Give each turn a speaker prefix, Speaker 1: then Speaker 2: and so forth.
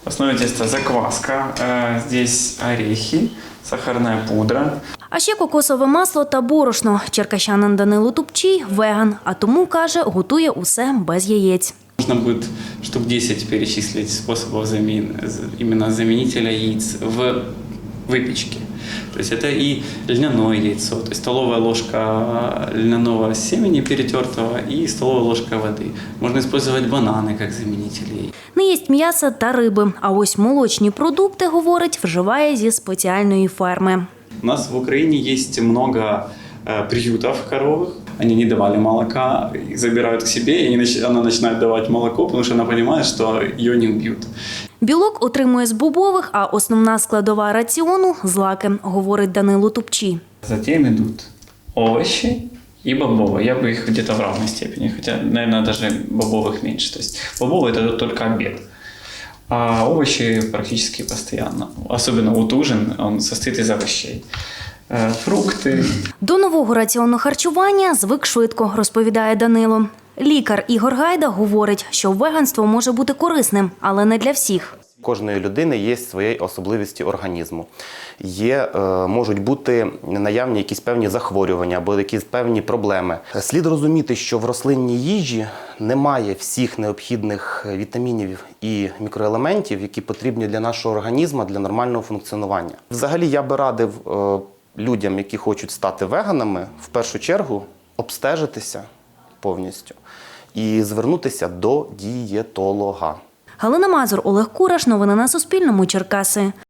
Speaker 1: В основе теста закваска, здесь орехи, сахарная пудра.
Speaker 2: А ще кокосове масло та борошно. Черкащанин Данило Тупчій – веган, а тому, каже, готує усе без яєць.
Speaker 1: Нужно будет штук 10 перечислить способов именно заменителя яиц в выпечке. То есть это и льняное яйцо, то есть столовая ложка льняного семени перетертого и столовая ложка воды. Можно использовать бананы как заменители.
Speaker 2: Не їсть м'яса та риби, а ось молочні продукти, говорить, вживає зі спеціальної ферми.
Speaker 1: У нас в Украине есть много приютов коровых. Они не давали молока, их забирают к себе, и она начинает давать молоко, потому что она понимает, что ее не убьют.
Speaker 2: Білок отримує з бобових, а основна складова раціону – злаки, говорить Данило Тупчій.
Speaker 1: Затем идут овощи и бобовые. Я бы их где-то в равной степени, хотя, наверное, даже бобовых меньше. То есть бобовые – это только обед. А овощи практически постоянно. Особенно вот ужин, он состоит из овощей. Фрукти.
Speaker 2: До нового раціону харчування звик швидко, розповідає Данило. Лікар Ігор Гайда говорить, що веганство може бути корисним, але не для всіх.
Speaker 3: Кожної людини є свої особливості організму. Можуть бути наявні якісь певні захворювання або якісь певні проблеми. Слід розуміти, що в рослинній їжі немає всіх необхідних вітамінів і мікроелементів, які потрібні для нашого організму, для нормального функціонування. Взагалі, я би радив людям, які хочуть стати веганами, в першу чергу обстежитися повністю і звернутися до дієтолога.
Speaker 2: Галина Мазур, Олег Кураш. Новини на Суспільному. Черкаси.